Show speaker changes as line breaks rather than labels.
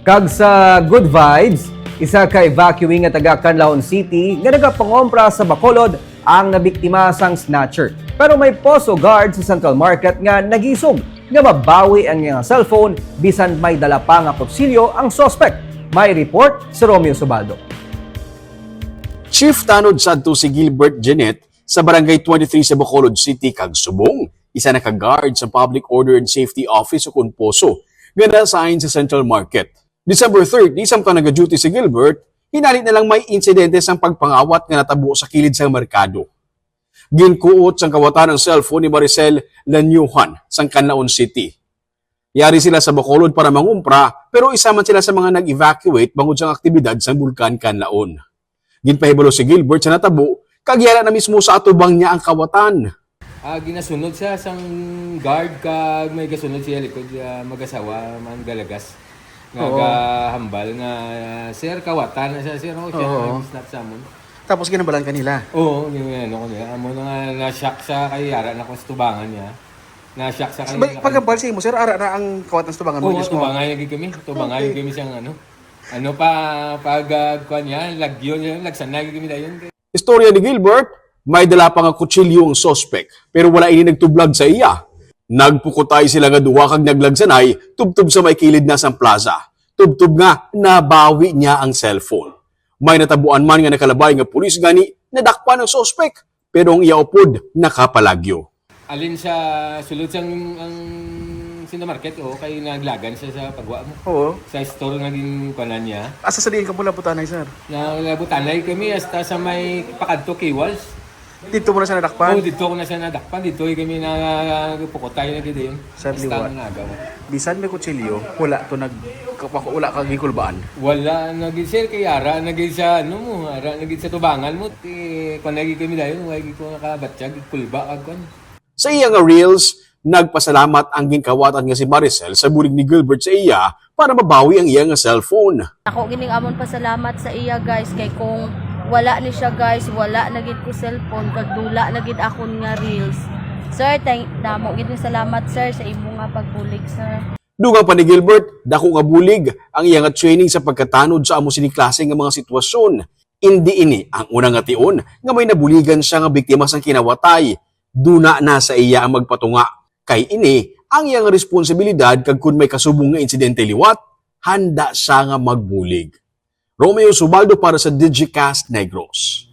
Kag sa Good Vibes, isa ka evacuee nga taga Canlaon City nga nagapangompra sa Bacolod ang nabiktima sang snatcher. Pero may poso guard sa Central Market nga nagisog nga mabawi ang iyang cellphone bisan may dala pa nga kutsilyo ang suspect. May report si Romeo Subaldo.
Chief tanod sadto si Gilbert Jeanette sa Barangay 23 sa Bacolod City kag subong. Isa na ka-guard sa Public Order and Safety Office o Kunposo nga na-assign sa Central Market. December 30, samtang nag-duty si Gilbert, hinalit na lang may insidente sang pagpangawat nga natabo sa kilid sa merkado. Ginkuot sang kawatan ng cellphone ni Maricel Lanyuhan sang Canlaon City. Yari sila sa Bacolod para mangumpra pero isa man sila sa mga nag-evacuate bangod sang aktibidad sa Bulkan Canlaon. Ginpahibalo si Gilbert sa natabo kag yara na mismo sa atubang niya ang kawatan.
Ginasunod siya sang guard kag may gasunod siya likod mag-asawa man galagas. Hambal nga sir kawatan na siya sir siya snap sa amon.
Tapos ginabalan kanila.
Oo, yung ano ko niya. Amo nga na-shock sa kay Yara na tubangan niya. Na-shock sa kay.
Pagkambal siya mo sir, ara na ang kawatan sa tubangan mo mismo.
Tubangay lagi kami. Tubangay kami siyang ano. Ano pa pag kuan niya, lagyo niya, lagsanay kami dayon.
Istorya ni Gilbert, may dala pa nga kutsilyo ang suspect pero wala ini nagtublag sa iya. Nagpukutay sila nga duwa kag naglagsanay tubtub sa may kilid na sang plaza. Tubtub nga nabawi niya ang cellphone. May natabuan man nga nakalabay nga pulis gani nadakpan ang suspect pero ang iya upod nakapalagyo.
Alin sa sulod sang ang sinamarket kay naglagan siya sa pagwa mo.
Oo.
Sa store nga din kanan niya.
Asa sa diin ka pula putanay sir?
Nalabutanay kami hasta sa may pakadto Kiwals.
Dito mo na siya nadakpan?
Dito ko na siya nadakpan. Dito kami nagpukutay na gid yun.
Sir, liwa. Bisan may kutsilyo, wala to wala kang gikulbaan.
Wala nagid sir kay Yara nagid sa ano mo, Yara nagid sa tubangan mo. Kung nagid kami dayon, wagi ko nakabatsyag kulba kag kon.
Sa iya nga reels, nagpasalamat ang ginkawatan nga si Maricel sa bulig ni Gilbert sa iya para mabawi ang iya nga cellphone.
Ako gining amon pasalamat sa iya guys kay kung wala ni siya guys, wala na gid ko cellphone kag dula na gid akon nga reels. Sir, damo gid salamat sir sa imo nga pagbulig sir.
Dugang pa ni Gilbert, dako nga bulig ang iya nga training sa pagkatanod sa amo sini klase nga mga sitwasyon. Indi ini ang unang nga tion nga may nabuligan siya nga biktima sang kinawatay. Duna na sa iya ang magpatunga. Kay ini ang iyang responsibilidad kag kun may kasubong nga insidente liwat, handa siya nga magbulig. Romeo Subaldo para sa Digicast Negros.